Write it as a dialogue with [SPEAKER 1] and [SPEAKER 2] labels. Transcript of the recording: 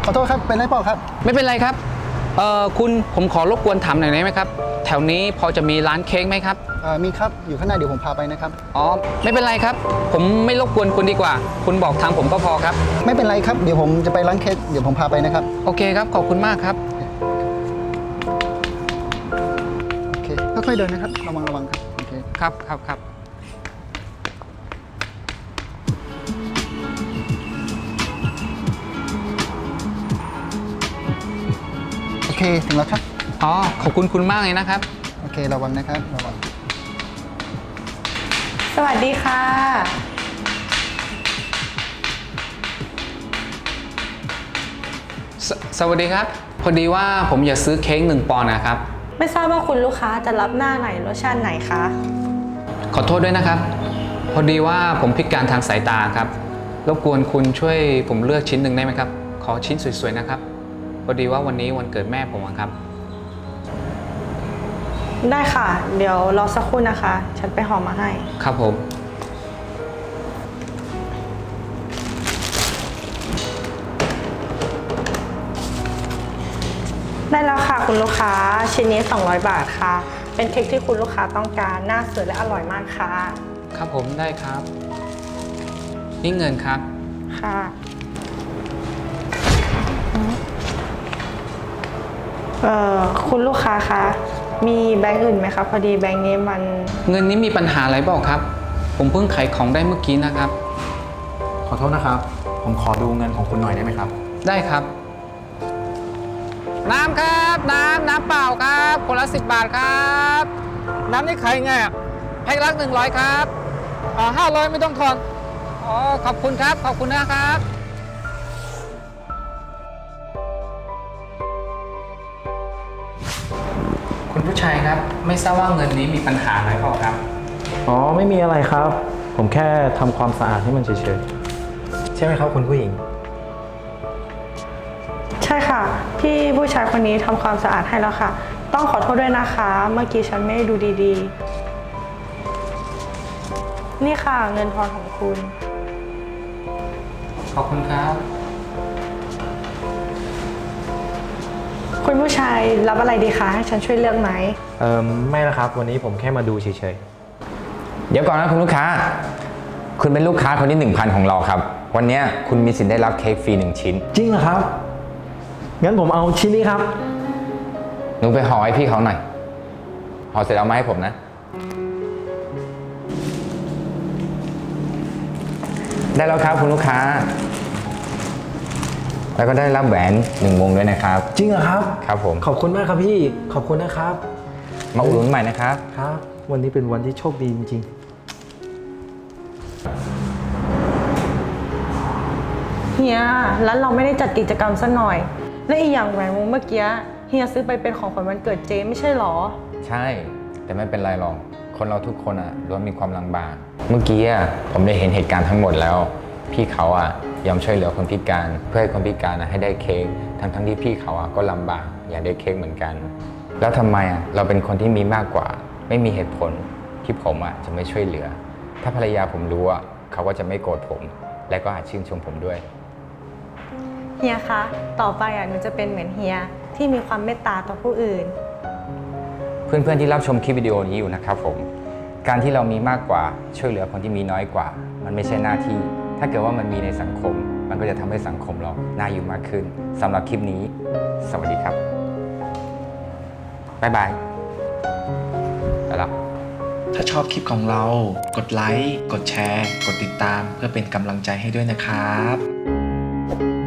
[SPEAKER 1] ขอโทษครับเป็นไรเปล่าครับ
[SPEAKER 2] ไม่เป็นไรครับคุณผมขอรบกวนถามหน่อยได้ไหมครับแถวนี้พอจะมีร้านเค้กไหมครับ
[SPEAKER 1] มีครับอยู่ข้างหน้าเดี๋ยวผมพาไปนะครับ
[SPEAKER 2] อ๋อไม่เป็นไรครับผมไม่รบกวนคุณดีกว่าคุณบอกทางผมก็พอครับ
[SPEAKER 1] ไม่เป็นไรครับเดี๋ยวผมจะไปร้านเค้กเดี๋ยวผมพาไปนะครับ
[SPEAKER 2] โอเคครับขอบคุณมากครับ
[SPEAKER 1] โอเคค่อยๆเดินนะครับระวังครับโอเค
[SPEAKER 2] ครับ
[SPEAKER 1] โอเคถึงแล้วครับ
[SPEAKER 2] อ๋อขอบคุณมากเลยนะครับ
[SPEAKER 1] โอเคระวังนะครับระวัง
[SPEAKER 3] สวัสดีค่ะ
[SPEAKER 2] สวัสดีครับพอดีว่าผมอยากซื้อเค้ก1 ปอนด์นะครับ
[SPEAKER 3] ไม่ทราบว่าคุณลูกค้าจะรับหน้าไหนรสชาติไหนคะ
[SPEAKER 2] ขอโทษด้วยนะครับพอดีว่าผมพิการทางสายตาครับรบกวนคุณช่วยผมเลือกชิ้นหนึ่งได้ไหมครับขอชิ้นสวยๆนะครับพอดีว่าวันนี้วันเกิดแม่ผมครับ
[SPEAKER 3] ได้ค่ะเดี๋ยวรอสักครู่นะคะฉันไปห่อมาให้
[SPEAKER 2] ครับผม
[SPEAKER 3] ได้แล้วค่ะคุณลูกค้าชิ้นนี้200 บาทค่ะเป็นเค้กที่คุณลูกค้าต้องการหน้าสวยและอร่อยมากค่ะ
[SPEAKER 2] ครับผมได้ครับนี่เงินครับ
[SPEAKER 3] ค่ะคุณลูกค้าคะมีแบงค์อื่นไหมคะพอดีแบงค์นี้มัน
[SPEAKER 2] เงินนี้มีปัญหาอะไรเปล่าครับผมเพิ่งขายของได้เมื่อกี้นะครับ
[SPEAKER 4] ขอโทษนะครับผมขอดูเงินของคุณหน่อยได้ไหมครับ
[SPEAKER 2] ได้ครับน้ำครับน้ำเปล่าครับคนละ10 บาทครับน้ำนี่ขายไงอ่ะแพ็คละ100ครับ500ไม่ต้องทอนอ๋อขอบคุณครับขอบคุณนะครับคุณผู้ชายครับไม่ทราบว่าเงินนี้มีปัญหาอะไรเปล่าครับ
[SPEAKER 4] อ๋อไม่มีอะไรครับผมแค่ทำความสะอาดให้มันเฉยๆใช่ไหมครับคุณผู้หญิง
[SPEAKER 3] ใช่ค่ะพี่ผู้ชายคนนี้ทำความสะอาดให้แล้วค่ะต้องขอโทษด้วยนะคะเมื่อกี้ฉันไม่ได้ดูดีๆนี่ค่ะเงินทอนของคุณ
[SPEAKER 2] ขอบคุณครับ
[SPEAKER 3] คุณผู้ชายรับอะไรดีคะให้ฉันช่วยเลือกไหม
[SPEAKER 4] ไม่ละครับวันนี้ผมแค่มาดูเฉย
[SPEAKER 5] เดี๋ยวก่อนนะคุณลูกค้าคุณเป็นลูกค้าคนที่ 1,000 ของเราครับวันนี้คุณมีสิทธิ์ได้รับเค้กฟรี1 ชิ้น
[SPEAKER 4] จริงเหรอครับงั้นผมเอาชิ้นนี้ครับ
[SPEAKER 5] หนูไปห่อให้พี่เขาหน่อยห่อเสร็จเอามาให้ผมนะได้แล้วครับคุณลูกค้าแล้วก็ได้รับแหวน1 วงด้วยนะครับ
[SPEAKER 4] จริงเหรอครับ
[SPEAKER 5] ครับผม
[SPEAKER 4] ขอบคุณมากครับพี่ขอบคุณนะครับ
[SPEAKER 5] มาอุดหนุนใหม่นะครับ
[SPEAKER 4] ครับวันนี้เป็นวันที่โชคดีจริง
[SPEAKER 3] เฮียแล้วเราไม่ได้จัดกิจกรรมซะหน่อยและอีกอย่างแหวนวงเมื่อกี้เฮียซื้อไปเป็นของขวัญวันเกิดเจไม่ใช่หรอ
[SPEAKER 5] ใช่แต่ไม่เป็นไรหรอกคนเราทุกคนล้วนมีความลำบากเมื่อกี้ผมได้เห็นเหตุการณ์ทั้งหมดแล้วพี่เขายอมช่วยเหลือคนพิการเพื่อให้คนพิการให้ได้เค้กทั้งที่พี่เขาก็ลำบากอยากได้เค้กเหมือนกันแล้วทำไมเราเป็นคนที่มีมากกว่าไม่มีเหตุผลที่ผมจะไม่ช่วยเหลือถ้าภรรยาผมรู้เขาก็จะไม่โกรธผมและก็อาจชื่นชมผมด้วย
[SPEAKER 3] เฮียคะต่อไปหนูจะเป็นเหมือนเฮียที่มีความเมตตาต่อผู้อื่น
[SPEAKER 5] เพื่อนๆที่รับชมคลิปวิดีโอนี้อยู่นะครับผมการที่เรามีมากกว่าช่วยเหลือคนที่มีน้อยกว่ามันไม่ใช่หน้าที่ถ้าเกิดว่ามันมีในสังคมมันก็จะทำให้สังคมเราน่าอยู่มากขึ้นสำหรับคลิปนี้สวัสดีครับบ๊ายบายไปแล้ว
[SPEAKER 6] ถ้าชอบคลิปของเรากดไลค์กดแชร์กดติดตามเพื่อเป็นกำลังใจให้ด้วยนะครับ